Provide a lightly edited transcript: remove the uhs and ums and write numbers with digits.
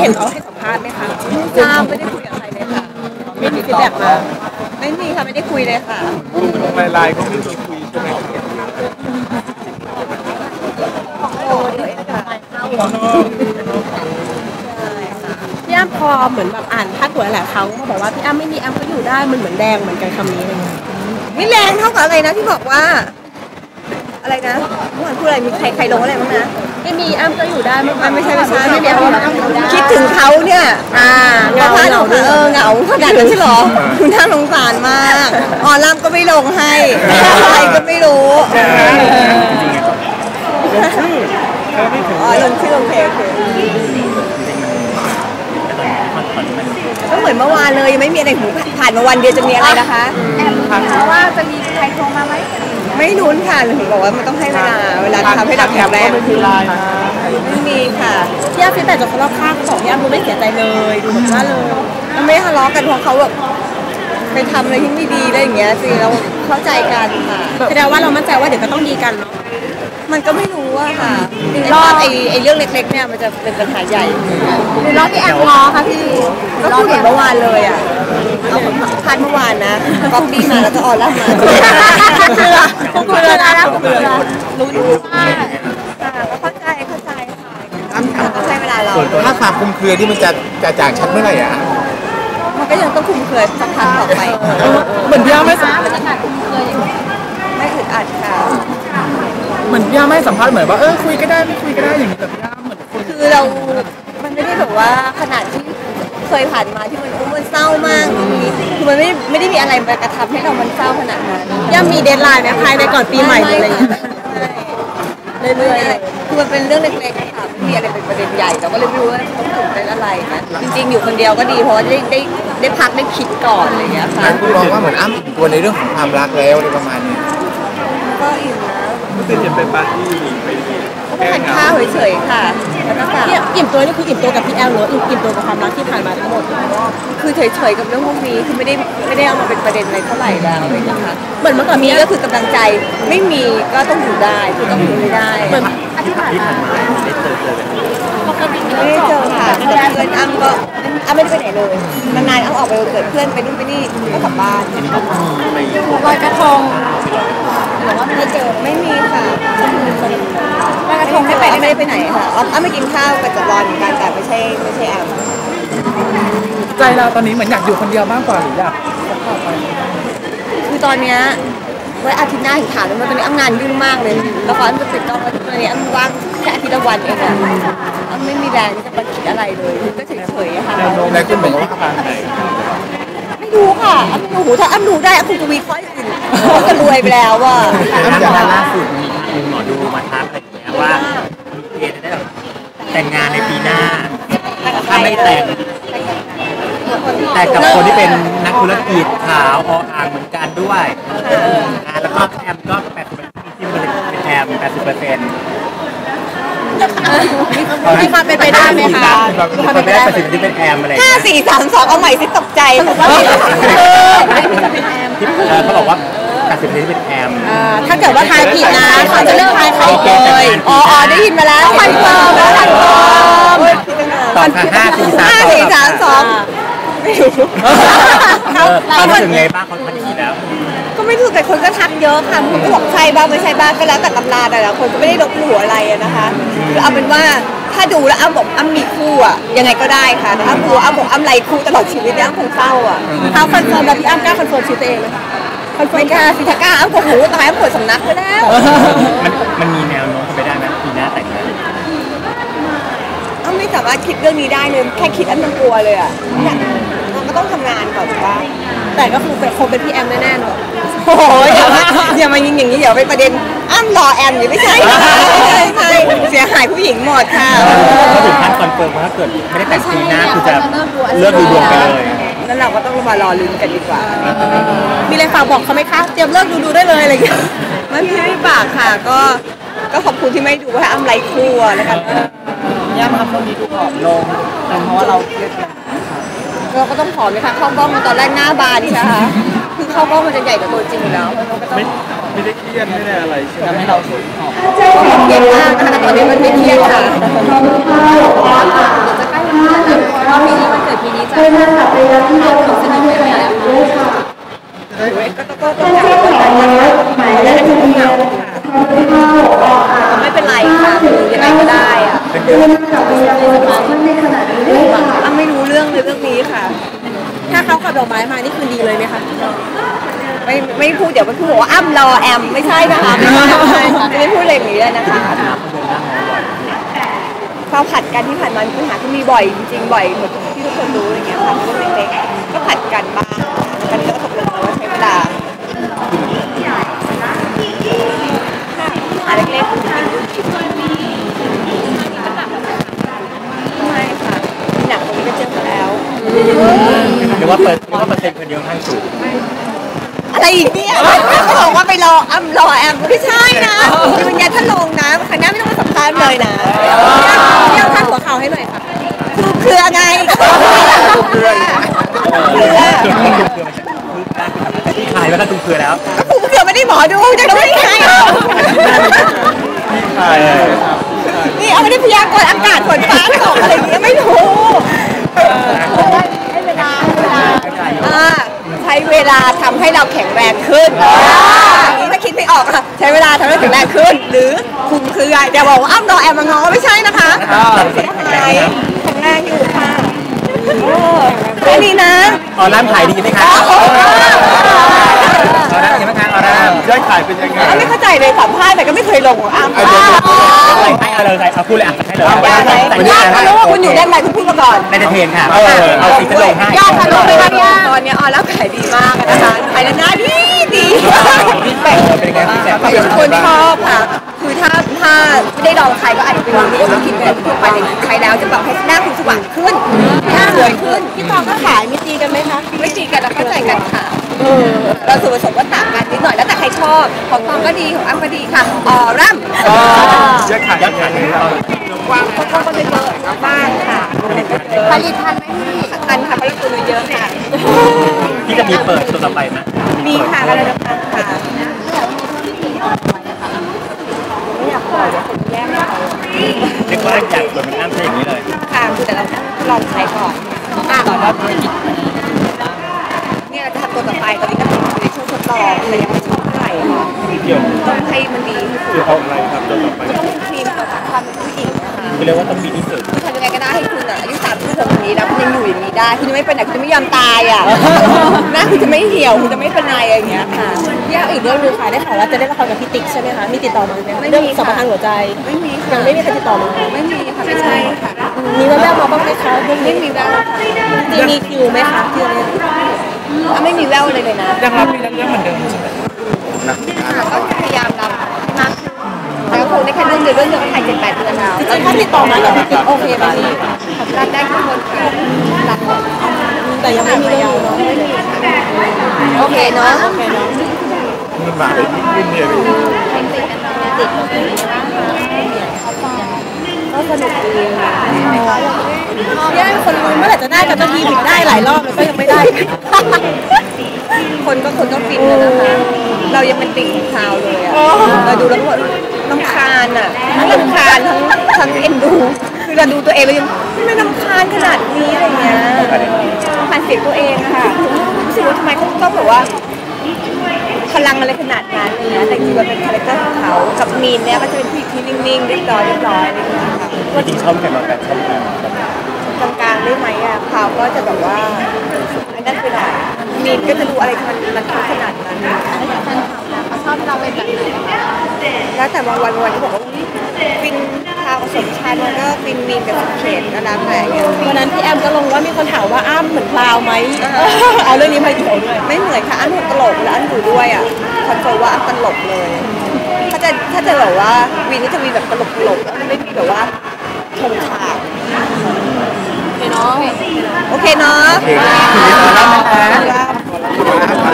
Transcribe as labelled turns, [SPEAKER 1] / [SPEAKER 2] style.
[SPEAKER 1] เห็นเขาให้สัมภาษณ์ไหมคะทราบไม่ได้คุยกับใครเลยค่ะไม่มีฟีดแบ็กมาไม่มีค่ะไม่ได้คุยเลยค่ะ
[SPEAKER 2] ลงไลน์ก็ไม่มีคุยใช่ไหม
[SPEAKER 1] พี่อ้ำพอเหมือนแบบอ่านพาดหัวหลายครั้งเขาบอกว่าพี่อ้ำไม่มีอ้ำก็อยู่ได้มันเหมือนแดงเหมือนกันคำนี้เลย
[SPEAKER 3] ไม่แรงเท่ากับอะไรนะที่บอกว่าอะไรนะเมื่อวานพูดอะไรมีใครลงอะไรบ้างนะ
[SPEAKER 1] ไม่มีอ้ำก็อยู่ได้
[SPEAKER 3] มันไม่ใช่ไม่
[SPEAKER 1] มีอ้ำก็อยู่ได้
[SPEAKER 3] คิดถึงเขาเนี่ย
[SPEAKER 1] เหงา
[SPEAKER 3] เหงาขนาดนั้นใช่หรอคุณน่าสงสารมากอ๋อล่ำก็ไม่ลงให้อะไรก็ไม่รู้ลงชื่อลงเพลงก็เหมือนเมื่อวานเลยยังไม่มีอะไรผ่านมาวันเดียวจะมีอะไรนะคะ
[SPEAKER 1] เพราะว่าจะมีใครโทรมาไหม
[SPEAKER 3] ไม่ลุ้นค่ะถึงบอกว่ามันต้องให้เวลาทำให้เราแข็งแรงไม่มีค่ะ
[SPEAKER 1] พี่อ้ำฟีดแบ็กจากคนรอบข้างเขาบอกพี่อ้ำดูไม่เสียใจเลยดูเหมือนว่าเลย
[SPEAKER 3] มันไม่ทะเลาะกันเพราะเขาแบบไปทำอะไรที่ไม่ดีอะไรอย่างเงี้ยสิเราเข้าใจกันค่ะ
[SPEAKER 1] แสดงว่าเรามั่นใจว่าเดี๋ยวก็ต้องดีกันเนาะ
[SPEAKER 3] มันก็ไม่รู้อะค่ะรอบไอ้เรื่องเล็กๆเนี่ยมันจะเป็นปัญหาใหญ่
[SPEAKER 1] หรือรอบที่แอบง้อค่ะพี่
[SPEAKER 3] ก็พูดเหมือนเมื่อวานเลยอะเอาพันเมื่อวานนะก๊อปปี้มาแล้วจะออนไลน์มา
[SPEAKER 1] เกลือนะ
[SPEAKER 3] รู้ว่าก็เข้าใจค่ะต้องใช้เวลาเรา
[SPEAKER 2] ถ้าความคลุมเครือที่มันจะจางชัดเมื่อไหร่อะ
[SPEAKER 3] มันก็ยังต้องคลุมเครือสักพักต่อไป
[SPEAKER 1] เหมือนพี่อ้ำไม่สัมภาษณ์บรรยากาศคลุมเครืออย่างนี้
[SPEAKER 3] ไม่อึดอัดค่ะ
[SPEAKER 2] เหมือนพี่อ้ำไม่สัมภาษณ์เหมือนว่าคุยก็ได้ไม่คุยก็ได้อย่างนี้แต่พี่อ้ำเหมือน
[SPEAKER 3] คือเรามันไม่ได้แบบว่าขนาดที่เคยผ่านมาที่มันเศร้ามากคือมันไม่ได้มีอะไรมากระทำให้เรามันเศร้าขนาดนั้น
[SPEAKER 1] ยังมีเดดไลน์ไหมภายในก่อนปีใหม่อะไรอย่างเงี้ย
[SPEAKER 3] เรื่อยๆคือมันเป็นเรื่องเล็กๆค่ะไม่มีอะไรเป็นประเด็นใหญ่เราก็เลยไม่รู้ว่าต้องตื่นเต้นอะไรนะจริงๆอยู่คนเดียวก็ดีเพราะว่าได้พักได้คิดก่อนอะไรอย่างเงี้ยค่ะ
[SPEAKER 2] คุณมองว่าเหมือนอ้ำตัวในเรื่องของความรักแล้วอะไรประมาณนี้
[SPEAKER 3] ก็อิ่มนะ
[SPEAKER 2] ตื่นเต้นเป็นปาร์ตี้
[SPEAKER 3] ไปทานข้าวเฉยๆค่ะแล้วก็
[SPEAKER 1] อิ่มตัวนี่คืออิ่มตัวกับพี่แอลหรืออิ่มตัวกับความรักที่ผ่านมาทั้งหมด
[SPEAKER 3] คือเฉยๆกับเรื่องพวกนี้คือไม่ได้เอามาเป็นประเด็นอะไรเท่าไหร่แล้วเลยนะคะ
[SPEAKER 1] เหมือนเมื่อก่อน
[SPEAKER 3] มีก็คือกำลังใจไม่มีก็ต้องอยู่ได้คือต้องอยู่ไม่ได้
[SPEAKER 1] เหมือนที่ผ่านมา
[SPEAKER 3] ไม่ได้เจอค่ะแต่เพื่อนอ้ำก็ไม่ได้ไปไหนเลยนานๆอ้ำออกไปเกิดเพื่อนไปนู่นไปนี่ก็กลับบ้าน
[SPEAKER 1] ลอยกระทง
[SPEAKER 3] หรือว่าไม่เจอไม่มีค่ะลอยกระทงไม่ไปไหนค่ะอ้ำไม่กินข้าวกับจักรวาลกันแต่ไม่ใช่อ้ำ
[SPEAKER 2] ใจเราตอนนี้เหมือนอยากอยู่คนเดียวมากกว่าหรืออยาก
[SPEAKER 3] คือตอนเนี้ยไว้อาทิตย์หน้าถึงถามเลยว่าตอนนี้อ้ำงานยุ่งมากเลยละครจะติดกล้องแล้วตอนนี้อ้ำว่างแค่อาทิตย์ละวันเองอะอ้ำไม่มีแรงที่จะมาคิดอะไรเลยก็เฉยๆค่ะ
[SPEAKER 2] แล้วคุณบอกว่า
[SPEAKER 3] ไม่รู้ค่ะอ้ำไม่รู้ถ้าอ้ำรู้ได้อ้ำคงจะมีข้ออื่นก็รวยไปแล้วว่ะ
[SPEAKER 4] ล่าสุดมีหมอดูมาทักอะไรอย่างเงี้ยว่ามีเกณฑ์จะได้แต่งงานในปีหน้าถ้าไม่แต่กับคนที่เป็นนักธุรกิจขาวอ่างเหมือนกันด้วยแล้วก็แอมก็80%ที่เป็นแอม80%
[SPEAKER 1] มีความเป็นไปได้ไหมคะ
[SPEAKER 4] มีความเป็นไปได้80%ที่เป็นแอมอะไร
[SPEAKER 3] 5 4 3 2เอาใหม่สิตกใจ
[SPEAKER 4] เขาบอกว่า80%ที่เป็นแอม
[SPEAKER 1] ถ้าเกิดว่าทายผิดนะเขาจะเลิกทายใครเลย
[SPEAKER 3] อ๋อได้ยินมาแล้วคอนเฟิร์ม
[SPEAKER 4] ตอบค่ะ5 4 3 2ไม่รู้เขาถึงไงบ้างเขาทักทีแล้ว
[SPEAKER 3] ก็ไม่ถูกแต่คนก็ทักเยอะค่ะคนก็บอกใช่บ้างไม่ใช่บ้างก็แล้วแต่ตำราแต่ละคนก็ไม่ได้ลบหลู่อะไรนะคะคือเอาเป็นว่าถ้าดูแล้วอ้ำบอกอ้ำมีคู่อ่ะยังไงก็ได้ค่ะอ้ำดูอ้ำบอกอ้ำไรคู่ตลอดชีวิตเนี่ยอ้ำคงเศร้าอ่ะ
[SPEAKER 1] เขาคอนเฟิร์มแบบพี่อ้ำกล้าคอนเฟิร์มชีวิตตัวเองไหม
[SPEAKER 3] คอนเฟิร์มค่ะสิทากล้าอ้ำก็หูตายอ้ำปวดสำนักไปแล้ว
[SPEAKER 4] มันมีแนวโน้มไปได้ไหมปีหน้าแต่งงาน
[SPEAKER 3] อ้ำไม่สามารถคิดเรื่องนี้ได้เลยแค่คิดอ้ำยังกลัวเลยอ่ะเราก็ต้องทำงานก่อนว่า
[SPEAKER 1] แต่ก็คือคงเป็นพี่แอมแน่ๆเนาะ
[SPEAKER 3] โอ้ยอย่ามายิงอย่างนี้เดี๋ยวไปประเด็นอ้ำรอแอมอยู่ไม่ใช่ใช่เสียหายผู้หญิงหมดค่ะ
[SPEAKER 4] ก็ถึงขั้นคอนเฟิร์มว่าถ้าเกิดไม่ได้แต่งปีหน้าคือจะเลิกดูดวงไปเลย
[SPEAKER 3] นั่นเราก็ต้องมารอลุ้นกันดีกว่า
[SPEAKER 1] มีอะไรฝากบอกเขาไหมคะเตรียมเลิกดูได้เลยอะไรอย่างเงี้ย
[SPEAKER 3] ไม่ฝากค่ะก็ขอบคุณที่ไม่ดูว่าอ้ำไรคู่แล้วกัน
[SPEAKER 4] ย่ามาคนนี้ดูผอมลงเพราะว่าเราเครียด
[SPEAKER 3] เราก็ต้องผอมไหมคะเข้ากล้องตอนแรกหน้าบานใช่ไหมคือเข้ากล้องมันจะใหญ่กว่าตัวจริงอยู่แล้ว
[SPEAKER 2] ไม่ได้เครียดไม่ได้อะไรใช่ไหม
[SPEAKER 4] ให้เราสูงผอม
[SPEAKER 3] เครียดมากนะคะตอนนี้มันไม่เครียดค่ะจะใกล้ทีนี้จะสนิทไหมไม่เป็นไรค่ะยังไงก็ได้อะไม่รู้เรื่องนี้ค่ะ
[SPEAKER 1] ถ้าเขาขับดอกไม้มานี่คือดีเลยไหมคะ
[SPEAKER 3] ไม่พูดเดี๋ยวมันพูดว่าอ้ำรอแอมไม่ใช่นะคะไม่พูดอะไรอย่างนี้เลยนะคะความผัดกันที่ผ่านมามีปัญหาที่มีบ่อยจริงๆบ่อยเหมือนที่ทุกคนรู้อะไรเงี้ยค่ะเรื่องเล็กๆก็ผัดกันบ้างกันก็ตกลงว่าใช้เวลาเล็กๆไม่ค่ะหนักตรงนี้ก็เจอมาแล้ว
[SPEAKER 4] หรือว่าเปอร์เซ็นต์คนเดียวข้างสูง
[SPEAKER 3] อะไรอีกเนี่ยเขาบอกว่าไปรอแอมไม่ใช่นะยืนยันท่านลงนะครั้งหน้าไม่ต้องมาสัมภาษณ์เลยนะ
[SPEAKER 1] เดี๋ยวท่านหัวเข่าให้หน่อยค่ะ
[SPEAKER 3] คือไง
[SPEAKER 4] ที่ขายว่าถ้าตุ้มเกลือแล้ว
[SPEAKER 3] ก็คือไม่ได้หมอดูจะรู้ได้ไงนี่เอาไม่ได้พยากรณ์อากาศฝนฟ้าตกอะไรอย่างเงี้ยไม่รู้ใช้เวลาทำให้เราแข็งแรงขึ้นนี่ถ้าคิดไม่ออกค่ะใช้เวลาทำให้แข็งแรงขึ้นหรือคุมเครืออย่าบอกว่าอ้ำรอแอมมางอไม่ใช่นะคะแข็งแรงอยู่ค่ะแค่นี้นะ
[SPEAKER 4] ออร่าขายดีไหมคะออร่ายังไงคะออร่ายอดขายเป็นยังไง
[SPEAKER 3] ไม่เข้าใจเลยสัมภาษณ์แต่ก็ไม่เคยลงอ้ำ
[SPEAKER 4] ให้เลยเอาพูดเลยอ่ะให้เลย
[SPEAKER 3] คุณอยู่ด้านในคุณพูดมาก่อน
[SPEAKER 4] ในเทนค่ะเอาสีจะลงให้
[SPEAKER 3] ยอดทะลุไปแล้วตอนนี้ออร่าขายดีมากนะคะขายแล้วน่าดี
[SPEAKER 4] เป็นไง
[SPEAKER 3] คนชอบค่ะคือถ้าไม่ได้ลองใครก็อาจจะเป็นรู้ว่ากินแบบทั่วไปเลยใช้แล้วจะแบบให้หน้าคุณสว่างขึ้นหน้าสวยขึ้น
[SPEAKER 1] พี่ตองก็ขายมีตีกันไหมคะ
[SPEAKER 3] ไม่ตีกันแล้วเข้าใจกันค่ะเราส่วนผสมก็ต่างกันนิดหน่อยแล้วแต่ใครชอบของตองก็ดีของอ้ำก็ดีค่ะร่ำ
[SPEAKER 4] ยอดขาย
[SPEAKER 3] เขาชอบก็เยอะบ้างค่ะผลิตทันไหมพี่ทันค่ะผลิตตัวเยอะค่ะ
[SPEAKER 4] ที่จะมีเปิดตัวต่อไปไหม
[SPEAKER 3] มีค่ะอะไรต่างๆค่ะไม่อยากปล่อยเดี๋ยวคนแย่งเรา
[SPEAKER 4] เรียกว่าอยากเปิดมันน้ำใช่อย่างนี้เลย
[SPEAKER 3] ค่ะคือแต่เราลองใช้ก่อนก่อนว่าเนี่ยเราจะทำตัวต่อไปตอนนี้ก็อยู่ในช่วงทดลองแต่ยังไม่ชอบเท่าไหร่ค่ะต้องให้มันดี
[SPEAKER 4] คือเอาอะไรครับตัวต่อไป
[SPEAKER 3] ต้องเป็นครีมต่อจากความเป็นผู้หญิงนะคะ
[SPEAKER 4] คือเรียกว่าต้องมีที่สุด
[SPEAKER 3] คือทำยังไงก็ได้ให้คุณอายุ36นี้แล้วคุณยังอยู่อย่างนี้ได้คุณจะไม่เป็นไหนคุณจะไม่ยอมตายอ่ะหน้าคุณจะไม่เหี่ยวคุณจะไม่เป็นไรอย่างเงี้ยค่ะ
[SPEAKER 1] พี่อ้ำอีกเรื่องนึงค่ะได้ข่าวว่าจะได้ละครกับพี่ติ๊กใช่ไหมคะมีติดต่อมาไหมเรื่องสัมปทานหัวใจ
[SPEAKER 3] ไม่มี
[SPEAKER 1] ยังไม่มีใครติดต่อมา
[SPEAKER 3] ไม่มีค่ะไม่ใช่ค่ะ
[SPEAKER 1] มีแววๆมาบ้างไหมคะ
[SPEAKER 3] ไม่มีแววค่ะ
[SPEAKER 1] จริงมีคิวไหมคะที่อะไร
[SPEAKER 3] ไม่มีแววเลยนะ
[SPEAKER 2] ยังรับเรื่องเหมือนเดิมใช่ไหม
[SPEAKER 3] ก็พยายามรับมากแล้วคงได้แค่เรื่องเดียวก็ถ่าย7-8 เดือนแล้ว
[SPEAKER 1] จริงๆถ้าติดต่อมากับพี่ติ๊กโอเคไหมพี่
[SPEAKER 3] รับได้ทุกคนค่ะรับหมด
[SPEAKER 1] แต่ยังไม่มีเรื่อง
[SPEAKER 3] โอเคเนาะ
[SPEAKER 4] มันหวานเลยยิ่งเนียน
[SPEAKER 3] ก็สนุกดีค่ะ
[SPEAKER 1] ย่างคนรู้เมื่อไหร่จะได้กันบางทีผิดได้หลายรอบแล้วก็ยังไม่ได้
[SPEAKER 3] คนก็ฟินเลยนะคะเรายังเป็นติ่งข่าวเลยอ่ะเราดูแล้วก็น้ำคาญอ่ะทั้งน้ำคาญทั้งเอ็นดูคือเราดูตัวเองเรายังไม่น้ำคาญขนาดนี้อะไรเงี้ยผ่านเสียงตัวเองค่ะรู้สึกว่าทำไมเขาต้องแบบว่าพลังอะไรขนาดนั้นเลยนะแต่จริงๆมันเป็นคาแรคเตอร์ของเขากับมีนเนี่ยก็จะเป็นผู้ที่นิ่งๆเรียบร้อยอะไรอย่างเงี้ยค่ะ
[SPEAKER 4] ว่าจริงชอบใครมาแบบชอบ
[SPEAKER 3] กลางๆได้ไหมอ่ะเขาก็จะแบบว่าอันนั้นไปหน่อยมีนก็จะดูอะไรมันขนาดนั้นเขาชอบเราเป็นแบบไหนแล้วแต่บางวันก็บอกว่าฟินพาวสมชายมันก็ฟินมีนกับสุเขตก็แล้วแต่
[SPEAKER 1] วันนั้นพี่แอมก็ลงว่ามีคนถามว่าอ้ำเหมือนพราวไหมเอาเรื่องนี้มาเกี่ยวด้วย
[SPEAKER 3] ไม่เหมือนค่ะอ้ำตลกแล้วอ้ำอยู่ด้วยอ่ะคอนเฟิร์มว่าอ้ำตลกเลยถ้าจะแบบว่าวีนก็จะมีแบบตลกแล้วไม่มีแบบว่าชงฉากโอเคเนาะ
[SPEAKER 4] โอเคเนาะ